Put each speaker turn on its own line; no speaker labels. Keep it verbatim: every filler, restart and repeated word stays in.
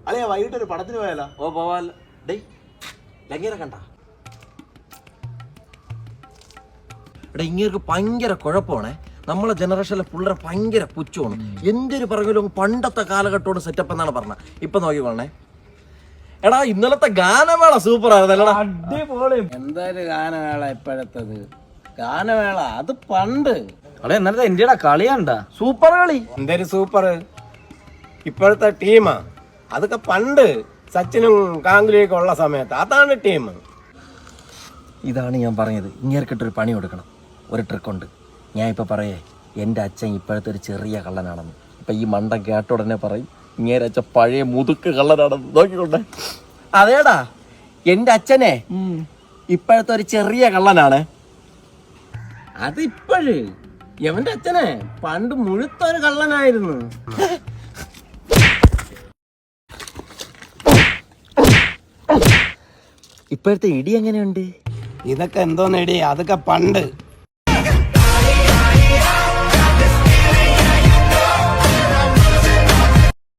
അല്ലെ വൈകിട്ട് ഒരു പടത്തിന് പോയാലോ?
ഓ പോവാല്ലോ. ഡേയ് ലങ്ങേരെ കണ്ട എടാ, ഇങ്ങേർക്ക് ഭയങ്കര കുഴപ്പമാണേ. നമ്മളെ ജനറേഷനിലെ പിള്ളേരെ ഭയങ്കര പുച്ഛമാണ്. എന്തൊരു പറഞ്ഞാലും പണ്ടത്തെ കാലഘട്ടത്തോട് സെറ്റപ്പ് എന്നാണ് പറഞ്ഞത്. ഇപ്പൊ നോക്കിക്കോണേ എടാ, ഇന്നലത്തെ ഗാനമേള സൂപ്പർ ആയിരുന്നല്ലടാ.
അടിപൊളി. എന്തായാലും ഗാനമേള ഇപ്പോഴത്തത് ഗാനമേള അത് പണ്ട്. അവിടെ ഇന്നലത്തെ ഇന്ത്യയുടെ കളിയാണ്ടാ
സൂപ്പർ കളി.
എന്തൊരു സൂപ്പർ. ഇപ്പോഴത്തെ ടീമാ അതൊക്കെ പണ്ട് സച്ചിനും ഗാംഗുലിയൊക്കെ ഉള്ള സമയത്ത് അതാണ് ടീം.
ഇതാണ് ഞാൻ പറഞ്ഞത്, ഇങ്ങേർക്കിട്ടൊരു പണി കൊടുക്കണം. ഒരു ട്രിക്കുണ്ട്. ഞാൻ ഇപ്പൊ പറയേ, എൻ്റെ അച്ഛൻ ഇപ്പോഴത്തെ ഒരു ചെറിയ കള്ളനാണെന്ന്. ഇപ്പൊ ഈ മണ്ടൻ കേട്ട ഉടനെ പറയും ഇങ്ങേരെ അച്ഛൻ പഴയ മുതുക്ക് കള്ളനാണെന്ന്. നോക്കിക്കൊണ്ടേ. അതേടാ, എൻ്റെ അച്ഛനെ ഇപ്പോഴത്തെ ഒരു ചെറിയ കള്ളനാണ്.
അത് ഇപ്പോഴ് എവന്റെ അച്ഛനെ പണ്ട് മുഴുത്തൊരു കള്ളനായിരുന്നു.
ഇപ്പോഴത്തെ ഇടി എങ്ങനെയുണ്ട്?
ഇതൊക്കെ എന്തോന്നെടി, അതൊക്കെ പണ്ട്.